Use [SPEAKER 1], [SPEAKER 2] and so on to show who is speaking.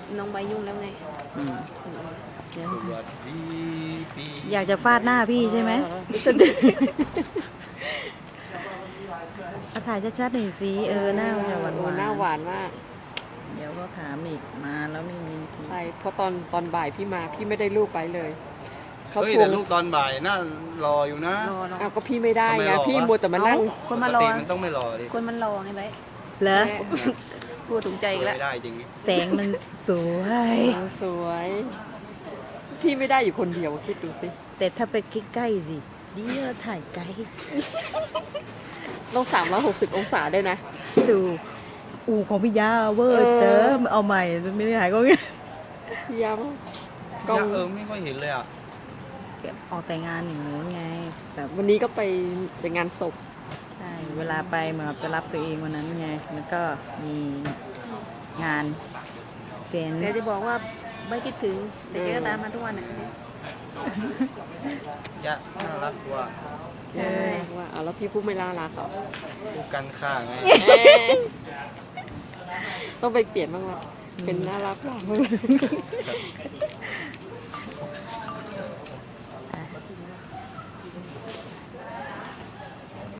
[SPEAKER 1] น้องใบยุ่งแล้วไง
[SPEAKER 2] อืมเดี๋ยว
[SPEAKER 3] สวัสดีปี
[SPEAKER 2] อยากจะฟาดหน้าพี่ใช่ไหมเอาถ่ายชัดๆหน่อยสิหน้าจะหวาน
[SPEAKER 4] โอ้หน้าหวานมาก
[SPEAKER 2] ๆเดี๋ยวก็ถามอีกมาแล้วไม่มีที
[SPEAKER 4] ใช่เพราะตอนบ่ายพี่มาพี่ไม่ได้รูปไปเลยเขา
[SPEAKER 3] เฮ้ย
[SPEAKER 4] ทว
[SPEAKER 3] แต่
[SPEAKER 4] ง
[SPEAKER 3] ลูกตอนบ่ายน่ารออยู่นะ
[SPEAKER 1] รอ
[SPEAKER 4] เอาก็พี่ไม่ได้
[SPEAKER 3] ทำไม
[SPEAKER 4] ไง
[SPEAKER 3] รอวะ
[SPEAKER 4] พี่มัวแต่มานั่ง
[SPEAKER 1] คน
[SPEAKER 3] ป
[SPEAKER 1] มาก รอ
[SPEAKER 3] ติมันต้องไม่รอดิ
[SPEAKER 1] คนมันรอไงใบ
[SPEAKER 2] เหรอ
[SPEAKER 1] พูดถูกใจอีกแล้ว
[SPEAKER 3] ไม่ได้จริง
[SPEAKER 2] แสงมันสวย
[SPEAKER 4] สวย พี่ไม่ได้อยู่คนเดียวคิดดูสิ
[SPEAKER 2] แต่ถ้าไปใกล้ๆสิเดี๋ยวถ่ายไกล
[SPEAKER 4] ต้อง360 องศาด้วยนะ
[SPEAKER 2] ดูของพี่ยาเวอร์เติมเอาใหม่ไม่ได้ถ่ายก็งี้
[SPEAKER 4] พี่ยาม
[SPEAKER 3] ๆ
[SPEAKER 4] กล้อง
[SPEAKER 3] ไม่ค่อยเห็นเลยอ่ะ
[SPEAKER 2] ออกแต่งานอย่างนู้นไงแบบ
[SPEAKER 4] วันนี้ก็ไปงานศพ
[SPEAKER 2] ใช่เวลาไปเหมือนกับไปรับตัวเองวันนั้นไงมันก็มีงานเฟน
[SPEAKER 1] แต่จะบอกว่าใบคิดถึงแต่แกก็ตามมาทุกวันอ่ะ
[SPEAKER 3] ยะน่ารักกว่า
[SPEAKER 4] ใช่ว่าเอาแล้วพี่พูดไม่น่ารักเหรอ
[SPEAKER 3] ดูกันข้างไง
[SPEAKER 4] ต้องไปเปลี่ยนบ้างละเป็นน่ารักบ้าง